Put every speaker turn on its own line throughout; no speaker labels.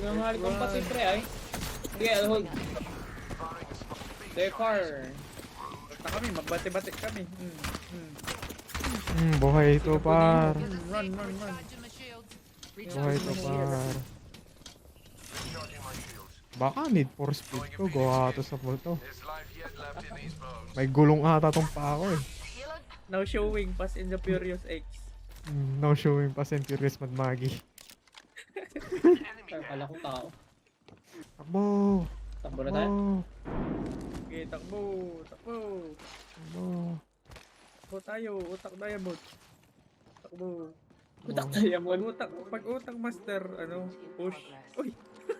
Nangahal kong pati pre ay. Sige, I'll hold. Dekar.
Basta kami, magbati-bati kami.
Buhay ito par.
Run.
Buhay ito par. Baka need for speed to. Gawa to sa to. May gulong ata tong pa ako eh.
Now showing Fast and the Furious X.
No showing pa St. Furious Mad Maggie.
Kala ko tao.
Takbo!
Takbo na tayo.
Okay, takbo.
Takbo!
Takbo tayo, utak diamond. Takbo.
Utak tayo mo.
Pag utak master, push. Uy!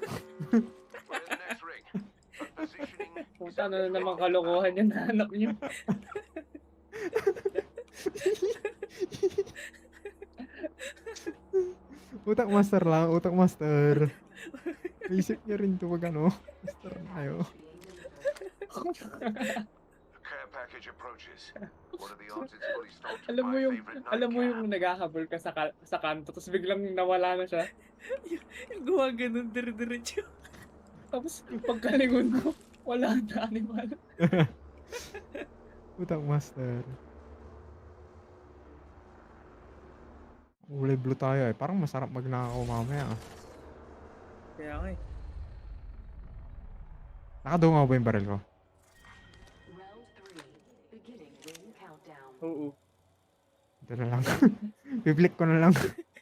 Puta na naman kalokohan yung nahanap niyo.
Utak master lang, utak master. Isip niya rin to pag master na kayo.
Alam mo yung naghahabol ka sa kanto tapos biglang nawala na siya.
Yung gawa ganun, dire-diretso.
Tapos yung pagkalingon ko, wala na animal.
Utak master. Kulay blue tayo eh. Parang masarap magnakaw mamaya ah.
Kaya nga eh.
Nakadungaw ba yung baril ko?
Oo.
Ito na lang. Biblik ko na lang.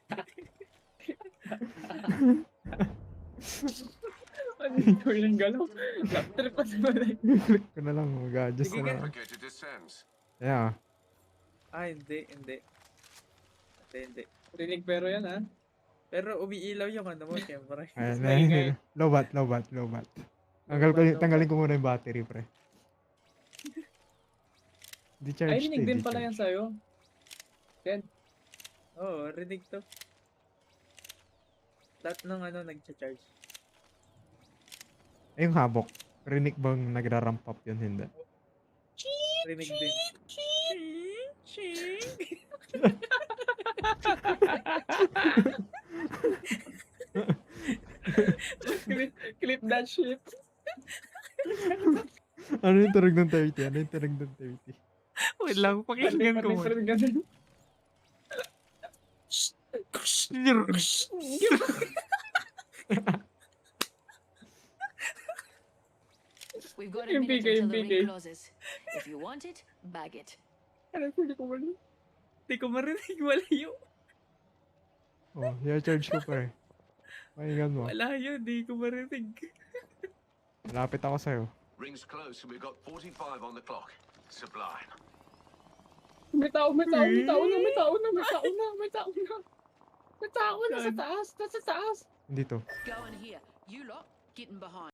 Ano yung yung galaw? Laptrip pa naman eh.
Biblik ko na lang. Mag-adjust
Sige,
na lang. Yeah.
Hindi.
Rinig pero yan ha.
Pero umiilaw yung mo, siyempre.
Ayan,
Maingay.
low bat. Tanggalin ko muna yung battery, pre. Di-charge
Ay, rinig din pala yan sa'yo. Ken.
Oo, rinig to. Lahat ng nag-charge.
Ay, yung habok. Rinig bang nagra-ramp up yun? Hindi.
Rinig din.
Clip that shit.
Ano yung tunog ng 30?
Wait lang, pakinggan ko mo.
We've got a
Yung
minute
bigay,
until the
bigay.
ring closes. If you want it, bag it.
Ano, hindi ko man.
Hindi ko marinig, wala yun.
Oh, i-charge ko, pre. Pahingan mo.
Wala yun, di ko marinig.
Malapit ako sa'yo.
Rings close and we've got 45 on the clock. Sublime.
May tao na. Nasa taas.
Dito.
Go in here. You lot, getting behind.